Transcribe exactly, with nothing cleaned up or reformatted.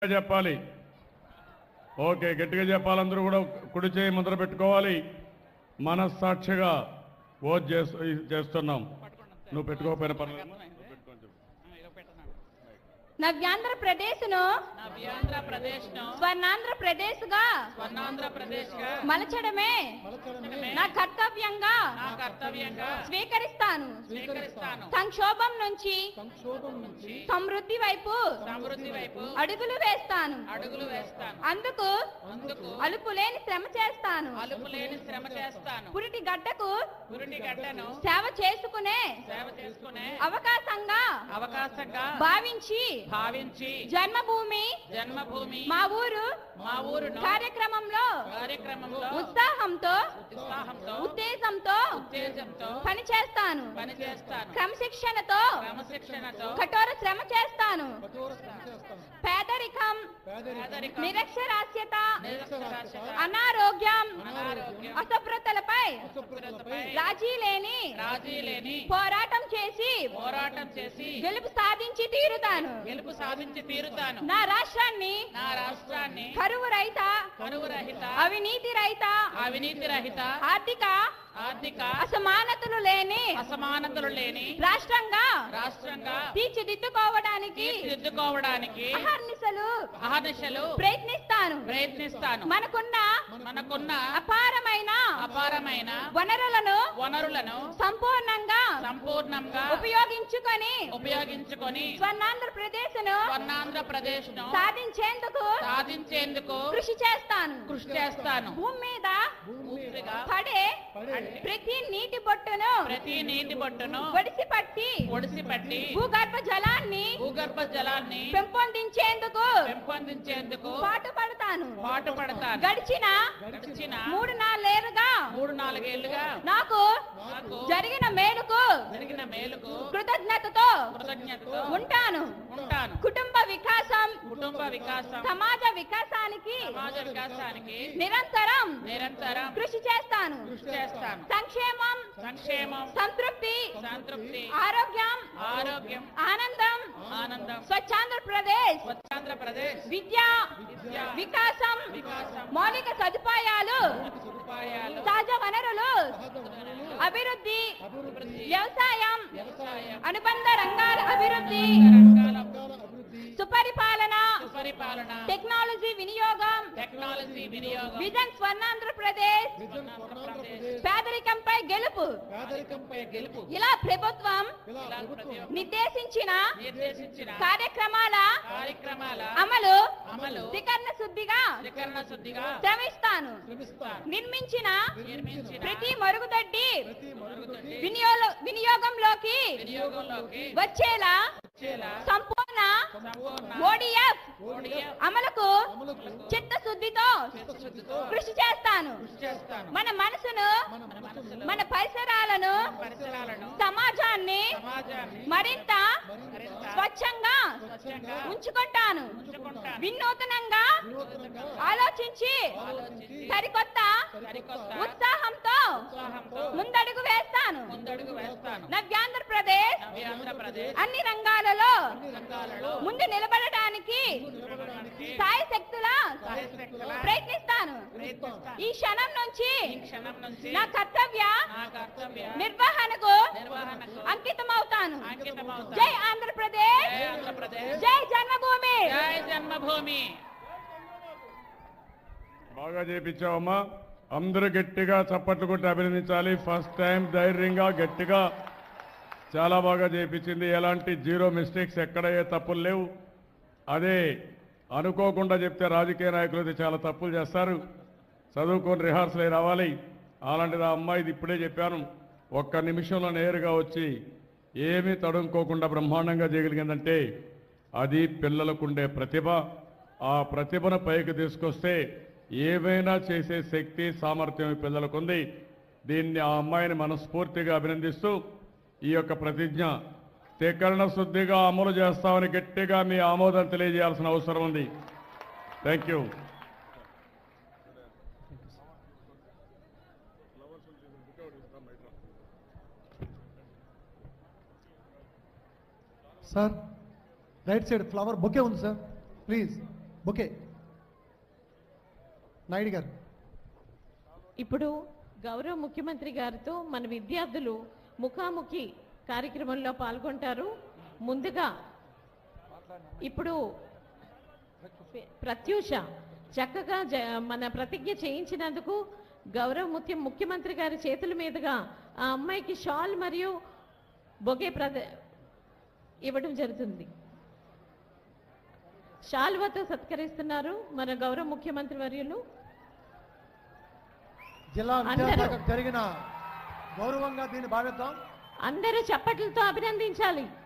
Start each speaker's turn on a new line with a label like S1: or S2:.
S1: చెప్పాలి. ఓకే, గట్టిగా చెప్పాలి. అందరూ కూడా కుడి చేయి ముద్ర పెట్టుకోవాలి. మనస్సాక్షిగా ఓట్ చేస్తున్నాం. నువ్వు పెట్టుకోకపోయినా పర్లేదు.
S2: నవ్యాంధ్ర ప్రదేశ్ ను
S3: నవ్యాంధ్ర ప్రదేశ్ ను
S2: స్వర్ణాంధ్ర ప్రదేశ్ గా
S3: స్వర్ణాంధ్ర ప్రదేశ్ గా
S2: మలచడమే నా కర్తవ్యంగా
S3: నా కర్తవ్యంగా
S2: స్వీకరిస్తాను
S3: స్వీకరిస్తాను.
S2: సంక్షోభం నుంచి
S3: సంక్షోభం నుంచి
S2: సమృద్ధి వైపు
S3: సమృద్ధి వైపు
S2: అడుగులు వేస్తాను
S3: అడుగులు వేస్తాను.
S2: అందుకు
S3: అందుకు
S2: అలుపులేని శ్రమ చేస్తాను
S3: అలుపులేని శ్రమ చేస్తాను.
S2: పురిటి గడ్డకు
S3: పురిటి గడ్డను
S2: సేవ చేసుకునే
S3: సేవ చేసుకునే
S2: అవకాశంగా
S3: అవకాశంగా
S2: భావించి
S3: భావించి
S2: జన్మభూమి
S3: జన్మభూమి
S2: మా ఊరు
S3: మా ఊరును
S2: కార్యక్రమంలో
S3: కార్యక్రమంలో
S2: ఉత్సాహంతో
S3: ఉత్సాహంతో
S2: ఉత్తేజంతో
S3: ఉత్తేజంతో
S2: పనిచేస్తాను
S3: పనిచేస్తాను.
S2: క్రమశిక్షణతో
S3: క్రమశిక్షణతో
S2: కఠోర శ్రమ చేస్తాను పేదరికం
S3: పేదరికం,
S2: నిరక్షరాస్యత
S3: నిరక్షరాస్యత,
S2: అనారోగ్యం
S3: అనారోగ్యం,
S2: అశుభ్రతలపై
S3: అశుభ్రతపై
S2: రాజీ లేని
S3: రాజీ లేని
S2: పోరాటం చేసి
S3: పోరాటం చేసి
S2: గెలుపు సాధించి తీరుతాను
S3: గెలుపు సాధించి తీరుతాను.
S2: నా రాష్ట్రాన్ని
S3: నా రాష్ట్రాన్ని
S2: కరువు రహిత
S3: కరువు రహిత
S2: అవినీతి రహిత
S3: అవినీతి రహిత
S2: ఆర్థిక
S3: ఆర్థిక
S2: అసమానతలు లేని
S3: అసమానతలు లేని
S2: రాష్ట్రంగా
S3: రాష్ట్రంగా
S2: తీర్చిదిద్దుకోవడానికి
S3: తీర్చిదిద్దుకోవడానికి
S2: అహర్నిశలు
S3: అహర్నిశలు
S2: ప్రయత్నిస్తాను
S3: ప్రయత్నిస్తాను.
S2: మనకున్న
S3: మనకున్న
S2: అపారమైన
S3: అపారమైన
S2: వనరులను
S3: వనరులను
S2: సంపూర్ణంగా
S3: సంపూర్ణంగా
S2: ఉపయోగించుకొని
S3: ఉపయోగించుకొని
S2: స్వర్ణాంధ్రప్రదేశ్ ను
S3: స్వర్ణాంధ్రప్రదేశ్ ను
S2: సాధించేందుకు
S3: సాధించేందుకు
S2: కృషి చేస్తాను
S3: కృషి చేస్తాను.
S2: భూమి మీద
S3: పూర్తిగా
S2: పడే ప్రతి నీటి బొట్టును
S3: ప్రతి నీటి బొట్టును
S2: ఒడిసి పట్టి
S3: ఒడిసి పట్టి
S2: భూగర్భ జలాన్ని
S3: భూగర్భ జలాన్ని
S2: పెంపొందించేందుకు
S3: పెంపొందించేందుకు
S2: పాటు పడతాను
S3: పాటు పడతాను.
S2: గడిచిన
S3: గడిచిన
S2: మూడు నాలుగేళ్లుగా
S3: మూడు నాలుగేళ్లుగా
S2: నాకు
S3: నాకు
S2: జరిగిన మేలుకు
S3: జరిగిన మేలుకు
S2: కృతజ్ఞతతో
S3: కృతజ్ఞతతో
S2: ఉంటాను
S3: ఉంటాను.
S2: కుటుంబ వికాసం
S3: కుటుంబ వికాసం
S2: సమాజ వికాసానికి
S3: సమాజ వికాసానికి
S2: నిరంతరం
S3: నిరంతరం
S2: కృషి చేస్తాను
S3: కృషి చేస్తాను.
S2: సంక్షేమం
S3: సంక్షేమం
S2: సంతృప్తి
S3: సంతృప్తి
S2: ఆరోగ్యం
S3: ఆరోగ్యం
S2: ఆనందం
S3: ఆనందం
S2: స్వచ్ఛాంధ్రప్రదేశ్
S3: స్వచ్ఛాంధ్రప్రదేశ్
S2: విద్య
S3: విద్య
S2: వికాసం
S3: వికాసం
S2: మౌలిక సదుపాయాలు
S3: సదుపాయాలు
S2: సహజ వనరులు అభివృద్ధి
S3: అభివృద్ధి
S2: వ్యవసాయం
S3: వ్యవసాయం
S2: అనుబంధ రంగాల అభివృద్ధి
S3: రంగాల
S2: సుపరిపాలన
S3: సుపరిపాలన
S2: టెక్నాలజీ వినియోగం
S3: టెక్నాలజీ వినియోగం
S2: విజన్ స్వర్ణాంధ్రప్రదేశ్
S3: ఆంధ్రప్రదేశ్
S2: పేదరికంపై గెలుపు
S3: పేదరికంపై గెలుపు
S2: ఇలా ప్రభుత్వం
S3: ఇలా ప్రతి ఒక్క
S2: నిర్దేశించిన
S3: నిర్దేశించిన
S2: కార్యక్రమాల
S3: కార్యక్రమాల
S2: అమలు
S3: అమలు
S2: త్రికరణ శుద్ధిగా
S3: త్రికరణ శుద్ధిగా
S2: శ్రమిస్తాను
S3: శ్రమిస్తాను.
S2: నిర్మించిన
S3: నిర్మించిన
S2: ప్రతి మరుగుదొడ్డి
S3: మరుగుదొడ్డి
S2: వినియోగ వినియోగంలోకి
S3: వినియోగంలోకి
S2: వచ్చేలా
S3: వచ్చేలా
S2: సంపూర్ణ
S3: సంపూర్ణ
S2: ఓడిఎఫ్
S3: ఓడిఎఫ్
S2: అమలుకు చిత్తశుద్ధితో
S3: చిత్తశుద్ధితో
S2: కృషి చేస్తాను
S3: కృషి చేస్తాను.
S2: మన మనసును
S3: మన మనసులో
S2: మన పరిసరాలను
S3: పరిసరాలను
S2: సమాజాన్ని
S3: సమాజాన్ని
S2: మరింత
S3: మరింత
S2: స్వచ్ఛంగా
S3: స్వచ్ఛంగా
S2: ఉంచుకుంటాను
S3: ఉంచుకుంటాను.
S2: వినూతనంగా ఆలోచించి
S3: ఆలోచించి
S2: సరికొత్త
S3: సరికొత్త
S2: ఉత్సాహంతో
S3: ఉత్సాహంతో
S2: ముందడుగు వేస్తాను
S3: ముందడుగు వేస్తాను.
S2: నవ్యాంధ్రప్రదేశ్
S3: నవ్య ఆంధ్రప్రదేశ్
S2: అన్ని రంగాలలో
S3: రంగాలలో
S2: ముందు నిలబడటానికి
S3: నిలబడడానికి
S2: సాయశక్తుల
S3: సాయశక్తులా
S2: ప్రయత్నిస్తాను
S3: ప్రయత్నిస్తాను.
S2: ఈ క్షణం నుంచి
S3: ఈ క్షణం నుంచి
S2: నా కర్తవ్య
S3: నా కర్తవ్య
S2: నిర్వహణకు
S3: నిర్వహణకు
S2: అంకితమవుతాను
S3: అంకితమవుతాను.
S2: జై ఆంధ్రప్రదేశ్
S3: జై ఆంధ్రప్రదేశ్
S2: జై జన్మభూమి
S3: జై జన్మభూమి.
S1: బాగా చేపించావమ్మా. అందరూ గట్టిగా చప్పట్లు కొట్టి అభినందించాలి. ఫస్ట్ టైం ధైర్యంగా గట్టిగా చాలా బాగా చేపించింది. ఎలాంటి జీరో మిస్టేక్స్ ఎక్కడ ఏ తప్పులు లేవు. అదే అనుకోకుండా చెప్తే రాజకీయ నాయకులు అయితే చాలా తప్పులు చేస్తారు. చదువుకొని రిహార్సల్ అయి రావాలి. అలాంటిది ఆ అమ్మాయిది ఇప్పుడే చెప్పాను. ఒక్క నిమిషంలో నేరుగా వచ్చి ఏమీ తడుముకోకుండా బ్రహ్మాండంగా చేయగలిగిందంటే అది పిల్లలకుండే ప్రతిభ. ఆ ప్రతిభను పైకి తీసుకొస్తే ఏవైనా చేసే శక్తి సామర్థ్యం ఈ పిల్లలకుంది. దీన్ని ఆ అమ్మాయిని మనస్ఫూర్తిగా అభినందిస్తూ ఈ యొక్క ప్రతిజ్ఞ త్రికరణ శుద్ధిగా అమలు చేస్తామని గట్టిగా మీ ఆమోదం తెలియజేయాల్సిన అవసరం ఉంది. Thank you.
S4: Sir right side flower bouquet ఉంది sir, please. Bouquet. Naidu garu.
S5: ఇప్పుడు గౌరవ ముఖ్యమంత్రి గారితో మన విద్యార్థులు ముఖాముఖి కార్యక్రమంలో పాల్గొంటారు. ముందుగా ఇప్పుడు ప్రత్యూష చక్కగా జ- మన ప్రతిజ్ఞ చేయించినందుకు గౌరవ ముఖ్య ముఖ్యమంత్రి గారి చేతుల మీదుగా ఆ అమ్మాయికి షాల్ మరియు బొకే ప్రద ఇవ్వడం జరుగుతుంది. షాల్వాతో సత్కరిస్తున్నారు మన గౌరవ ముఖ్యమంత్రి వర్యులు.
S4: జిల్లా
S5: అందరూ.
S4: విద్యాశాఖకు జరిగిన గౌరవంగా దీన్ని భావిద్దాం.
S5: అందరూ చప్పట్లతో అభినందించాలి.